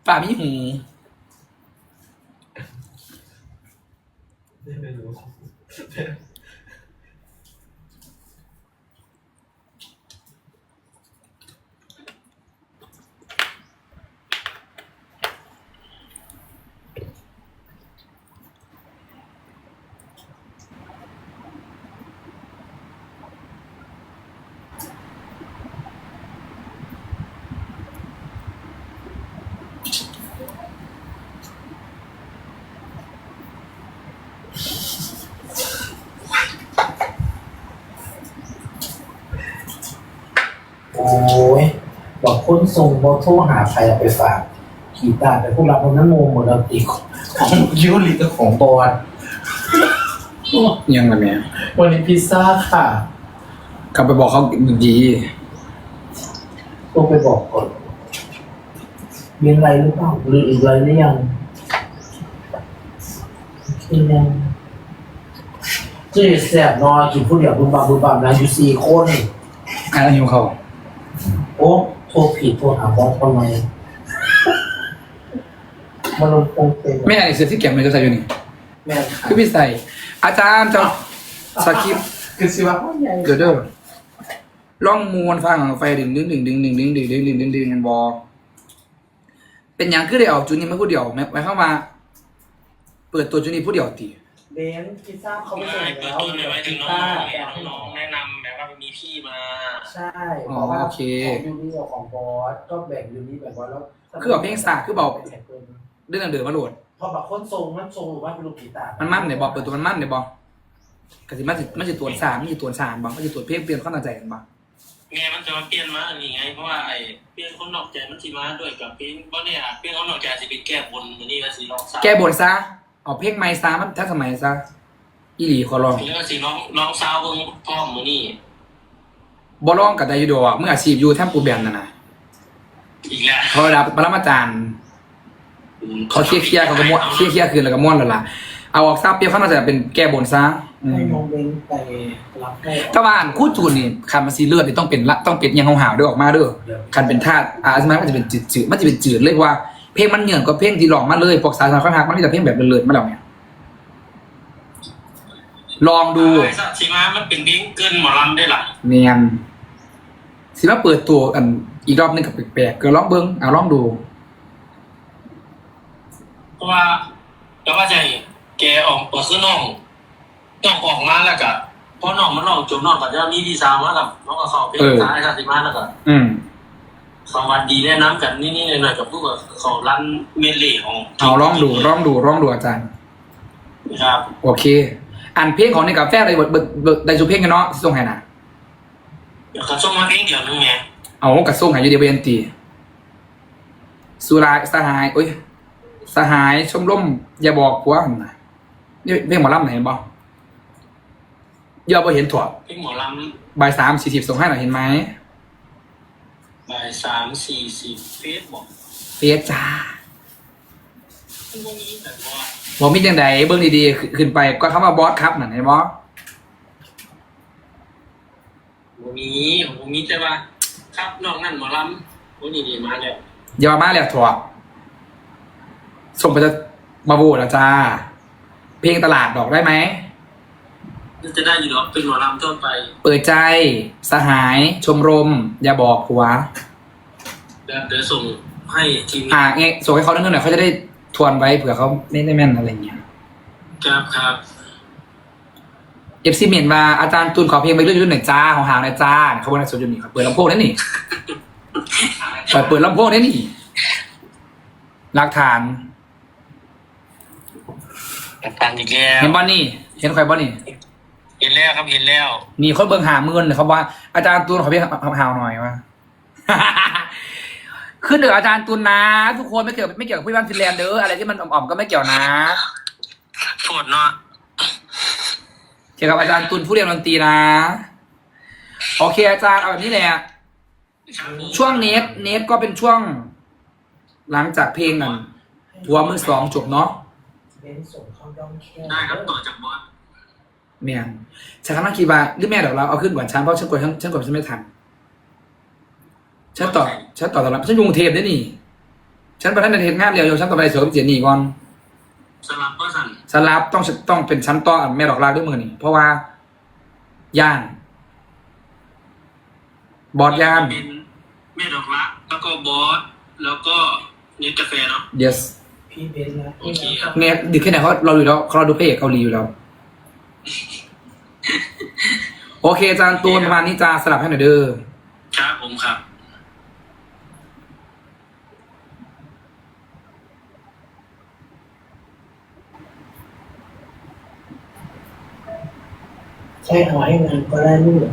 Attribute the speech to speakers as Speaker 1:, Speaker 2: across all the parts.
Speaker 1: ฝ่ามีหู
Speaker 2: ไม่รู้โอ้ยบอกคนส่งโมโทรหาใครเอาไปฝากขี่ตาแต่พวกเราคนนั้นงงหมดแล้วตีของยูริกับของบอล
Speaker 1: ยังไงแม่
Speaker 2: วันนี้พิซซ่าค่ะ
Speaker 1: กลับไปบอกเขาดี
Speaker 2: ต้องไปบอกก่อนมีอะไรหรือเปล่าหรืออะไรหรือยังกินยังเจ๊แสบนอนกินผู้เดียวบุญบาบุญบานะอยู่4 คน
Speaker 1: อะไรหิวเขา
Speaker 2: โอ้โทรผิดโทรหาบอสทำไมมันลงคงเป็น
Speaker 1: แม่อันนี้เสื้อที่เก็บมันจะใส่อยู่นี่
Speaker 2: แม่ค่ะ
Speaker 1: คือพี่ใส่อาจารย์จะสคริปต์
Speaker 2: คือสิว่าใหญ่
Speaker 1: เดี๋ยวเด้อล่องมวนฟังไฟดึงกันบอเป็นอย่างคือได้ออกจุดนี้ไม่พูดเดียวหมายเข้ามา เปิดตัวจุดนี้พูดเดียวตี
Speaker 2: เบนพิซซ่าเขาไม่ส่ง
Speaker 3: เปิด
Speaker 2: แล้ว
Speaker 3: ต้นเลยไว้ถึ
Speaker 2: พิ
Speaker 3: ง
Speaker 2: ซ
Speaker 3: น้
Speaker 2: ซ่า
Speaker 3: องแนะนำแบบว่ามีพี่มา
Speaker 2: ใช่บอกว่าของยูนี่กับของบอสก็แบ่งยูนี่แบบว่าแล้ว
Speaker 1: คือเอาเพลงสากคือเบาเรื่องเดือดมาโหลด
Speaker 2: พอแบบคนทรงมันทรงหรือว่าเป็นลูกกีตาร์
Speaker 1: มันมั่นเนี่ยบอกเปิดตัวมันมั่นเนี่ยบอกกสิมันจะตัวสามมันจะตัวสามบอกมันจะตัวเพลงเปลี่ยนข้อตั้งใจกันบอก
Speaker 3: ไงมันจะมาเปลี่ยนมาอันนี้ไงเพราะว่าไอ้เปลี่ยนคนนอกใจมันสิมาด้วยกับเปลี่ยนเพราะเนี่ยเปลี่ยนคนนอกใจสิไปแก้บนมันนี่ก็สิร้องซา
Speaker 1: แก้บนซะเอาเพลงไม้ซามันทันสมัยซะอีหลีขอร้อง
Speaker 3: แล้วก็สิร้องซาวเบิ่งพร้อมมือนี่
Speaker 1: บอร้องกับไดยูโดอ่ะเมื่ออาชีพอยู่แทมปูแบนน่ะนะ
Speaker 3: อีกแล้ว
Speaker 1: เขาระดับปรมาจารย์เขาเคลียร์เขาก็ม้วนเคลียร์คืนแล้วก็ม้วนแล้วล่ะเอาออกซาเปรียบเขาน่าจะเป็นแก้บนซะ
Speaker 2: ให้น้องเบนไปรับให้
Speaker 1: ถ้าว่าอ่านคู่จูนนี่คันมันซีเลือดนี่ต้องเป็นยังหาวๆด้วยออกมาเด้อคันเป็นธาตุสมัยมันจะเป็นจืดมันจะเป็นจืดเลยว่าเพลงมันเหนื่อยกว่าเพลงที่ร้องมาเลยพวกสายข้างทางมันมีแต่เพลงแบบเลิศๆมาแล้วเนี่ยลองดู
Speaker 3: ไอ้สัตว์สิมามันเป็นเพลงเกินหมอลำได้ล่ะ
Speaker 1: เนียนสิมาเปิดตัวกันอีกรอบนึงกับแปลกๆก็ลองเบิ้งลองดู
Speaker 3: เพราะว่าแต่ว่าใจแกออกตัวคือน้องออกมาแล้วก็พอน้องมันร้องจบน้องก็จะมีดีซาวมากับน้องก็เข้าเพลงซ้ายไอ้สัตว์สิมาแล้วก็
Speaker 1: อืม
Speaker 3: สวัสดีแนะนำกันนี่หน่อยๆกับพวกเขาร้านเมลลี่ของ
Speaker 1: เอาลองดูอาจารย์
Speaker 3: นะครับ
Speaker 1: โอเคอ่านเพลงของในกาแฟได้ได้สุเพลงกันเนาะส่งให้นะ
Speaker 3: เดี๋ยวเขาส่งมาเพลงเดียวนึงไง
Speaker 1: เอากระส่งให้อยู่เดียวเบนตีสุรายสหายโอ้ยสหายชมร่มอย่าบอกผัวนะนี่เพลงหมอลำไหนบอกอย่าไปเห็นถั่ว
Speaker 3: เพลงหมอล
Speaker 1: บ่าย3:40ส่งให้หน่อยเห็นไหม
Speaker 3: ำบ่าย3:40เฟซบอก
Speaker 1: เฟซจ้า
Speaker 3: พวกนี้แบบว่า
Speaker 1: บอกมีจังใดเบิ้งดีๆขึ้นไปก็คำว่าบอสครับนั่นเห็นบอส
Speaker 3: ผมมีแต่ว่าครับน้องนั่นหมอลำพวกนี้ดีมาแล้ว
Speaker 1: อย่ามาแล้วถั่วส่งไปมาโหวตนะจ้าเพลงตลาดดอกได้ไหม
Speaker 3: จะได้อยู่หรอเป็นหมอลำทั่วไป
Speaker 1: เปิดใจสหายชมรม อย่าบอกผัว
Speaker 3: เดี๋ยวส่งให้ทีม
Speaker 1: เงี้ยส่งให้เขาเรื่องหน่อยเขาจะได้ทวนไว้เผื่อเขาไม่ได้แม่นอะไรเงี้ย
Speaker 3: ครับ
Speaker 1: เอฟซีเมนมาอาจารย์ตูนขอเพลงไปเรื่อยๆหน่อยจ้าของหางหน่อยจ้าเขาบอกในโซนอยู่นี่ครับเปิดลำโพงได้นี่เปิดลำโพงได้นี่หลักฐาน
Speaker 3: ตันอีกแล้ว
Speaker 1: เห็นบ้านี่เห็นใครบ้านี่
Speaker 3: เห็นแล้วครับเห็นแล้ว
Speaker 1: มีคนเบิ่ง50,000เลยเขาว่าอาจารย์ตูนขอเพลงหาวหน่อยว่า ขึ้นเดืออาจารย์ตูนนะ ทุกคนไม่เกี่ยวกับพี่บ้านฟินแลนด์เด้ออะไรที่มันอ่อมๆก็ไม่เกี่ยวนะ
Speaker 3: โทษเนาะ
Speaker 1: เกี่ยวกับอาจารย์ตุลผู้เรียนดนตรีนะโอเคอาจารย์เอาแบบนี้แหละช่วงเนทก็เป็นช่วง หลังจากเพลงนั้นทัวร์มือ2จบเนาะ
Speaker 2: เบนส่งเข้าย่องแค่
Speaker 3: ได้ครับต่อจากบอส
Speaker 1: แม่นฉันกำลังคิดว่าหรือแม่เดี๋ยวเราเอาขึ้นก่อนฉันเพราะฉันกดฉันไม่ทันฉันต่อตอนรับฉันอยู่กรุงเทพได้นี่ฉันประธานในเทศงานเร็วอยู่ฉันต้องไปเสือกับเจนี่ก่อน
Speaker 3: สลับก็สั่น
Speaker 1: สลับต้องเป็นชั้นต่อแม่ดอกลาด้วยมือนี่เพราะว่าย่านบอดย่าน
Speaker 3: เป็นแม่ดอกรักแล้วก็บอสแล้วก็เนสกาแฟเนาะ
Speaker 1: yes
Speaker 2: พี่เบนนะ
Speaker 3: โอเคครับ
Speaker 1: เนี่ยดีแค่ไหนเขาเราดูแล้วเขาดูพระเอกเกาหลีอยู่แล้ว โอเคอาจารย์ตูนประมาณนี้จ้าสลับให้หน่อยเด้อ
Speaker 3: ครับผมครับ
Speaker 2: ใช่เอาให้งานก็ได้ลูก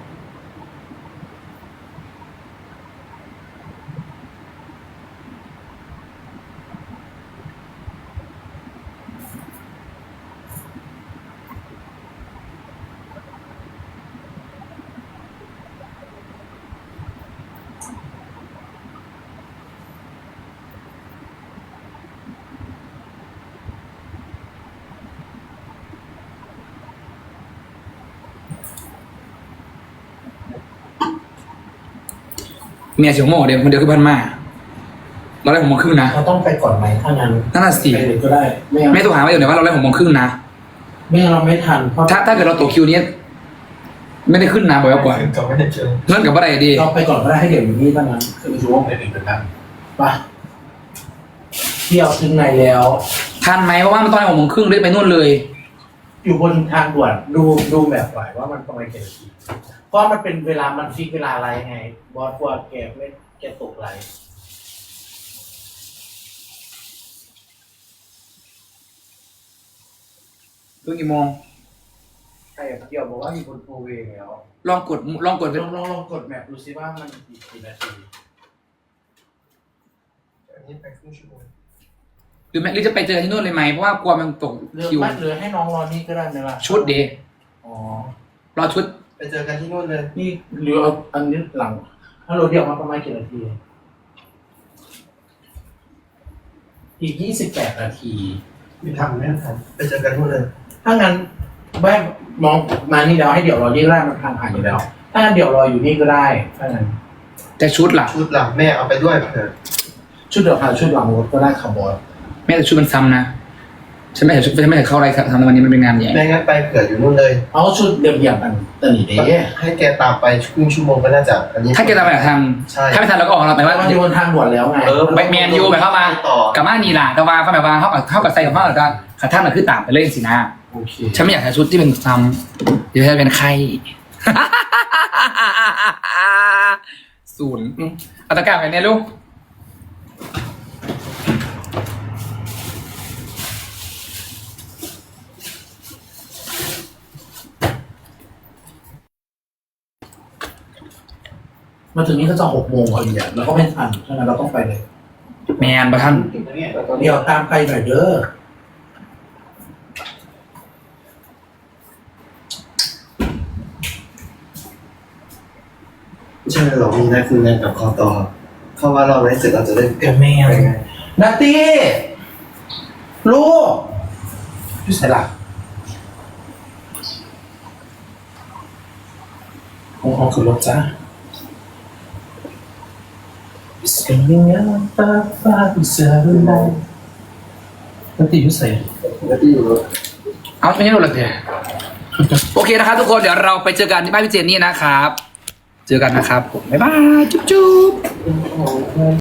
Speaker 1: เมียเสียวโม่เดี๋ยวคนเดียวคือพันมาเราได้6 โมงครึ่งนะ
Speaker 2: เราต้องไปก่อนไหมถ้างั้น
Speaker 1: นั่นน่ะสิ
Speaker 2: ไปเลยก็ได้ไม่งั้น
Speaker 1: ไม่ต้องหาไว้เดี๋ยวว่าเราได้6 โมงครึ่งนะ
Speaker 2: ไม่งั้นเราไม่ทันเพราะ
Speaker 1: ถ้าเกิดเราตกคิวนี้ไม่ได้ขึ้นนะบอกไว้ก่อน
Speaker 3: ก็ไม่ได้เจอ
Speaker 1: เงื่อนกับอะไรดี
Speaker 2: เราไปก่อนก็ได้ให้เดี๋ยวอยู่นี่ถ้างั้นคือช่วงไปถึงกันไปเที่ยวถึงไหนแล้ว
Speaker 1: ทันไหมเพราะว่ามันตอน6 โมงครึ่งเลยไปนู่นเลย
Speaker 2: อยู่บนทางด่วนดูแบบไหวว่ามันประมาณกี่นาทีเพราะมันเป็นเวลามันฟิกเวลาอะไรไงบอสกลัวแกไม่แกตกไหล
Speaker 1: ถึงกี่โมง
Speaker 2: ใช่เดี๋ยวบอกว่ามีคนโทรเวย์แล้ว
Speaker 1: ลองกด
Speaker 2: ลองกดแมปดูซิว่ามันกี่นาที
Speaker 3: อันนี้ไปครึ่งชั่วโมง
Speaker 1: หรือแม่หรือจะไปเจอที่นู่นเลยไหมเพราะว่ากลัวมันตก
Speaker 2: เรือ
Speaker 1: คิว
Speaker 2: ไม่เหลือให้น้องรอนี่ก็ได้ไหมล่ะ
Speaker 1: ชุดเดย์
Speaker 2: อ๋อ
Speaker 1: รอชุด
Speaker 3: ไปเจอกันที่นู่นเลย
Speaker 2: นี่เหลือเอาอันนี้หลังถ้าเราเดียวมาประมาณกี่นาทีอีก28 นาที
Speaker 3: มีทำไม่ทันไปเจอกันนู่นเลย
Speaker 2: ถ้างั้นแม่มองมานี่แล้วให้เดี๋ยวรอนี่ก็ได้มันทางผ่านอยู่แล้ว ถ้างั้นเดี๋ยวรออยู่นี่ก็ได้ถ้างั้น
Speaker 1: แต่ชุดล่ะ
Speaker 3: ชุดหลังแม่เอาไปด้วยเถอะ
Speaker 2: ชุดเดี๋ยวหาชุดหลังรถก็ได้ขับบอส
Speaker 1: แม่แต่ชุดมันซ้ำนะฉันไม่เห็นชุดฉันไม่เห็นเข้าอะไรทำในวันนี้มันเป็นงานใหญ่
Speaker 3: แม่งั้นไปเผื่ออยู่นู่นเลย
Speaker 2: เอาชุดเดิมๆกันตอนนี้เด้
Speaker 3: ให้แกตามไปครึ่งชั่วโมงก็น่าจะอันนี้
Speaker 1: ถ้าแกตามไปทัน
Speaker 3: ใช่
Speaker 1: ถ้าไม่ทันเราก็ออกเราไปว่า
Speaker 2: มันอยู่บนทางด่วนแล้วไง
Speaker 1: ไปแมนยูไปเข้ามา
Speaker 3: ต่อ
Speaker 1: กับมานีล่ะแต่ว่าเขาแบบว่าเขากับใส่กับเขากับขาท่านมันคือต่างไปเลยสินะ
Speaker 2: โอเค
Speaker 1: ฉันไม่อยากใส่ชุดที่เป็นซ้ำเดี๋ยวจะเป็นไข้ ศูนย์เอาตะกร้าไปเนี่ยลูก
Speaker 2: มาถึงนี้ก็จะ6 โมงพอดีแล้วก็ไม่ทันฉะนั้นเราต้องไปเลย
Speaker 1: แมนประท่าน
Speaker 2: เดี๋ยวตามไปหน่อยเด้อ
Speaker 3: ใช่หรอมีนายคุณงานกับคอตอเข้าว่าเราได้เสร็จเราจะได้
Speaker 2: แกแม่นาตี้ลูกพี่สายหลักห้องขึ้นรถจ้าเสียงยังฟ้าฟ้าเสียงอะไรนาตี้พี่สาย
Speaker 3: แล้วที่อยู่รถ
Speaker 1: เอาไม่ใช่หรอกเดี๋ยวโอเคนะครับทุกคนเดี๋ยวเราไปเจอกันที่บ้านพี่เจนนี่นะครับ เจอกันนะครับผมบ๊ายบายจุ๊บ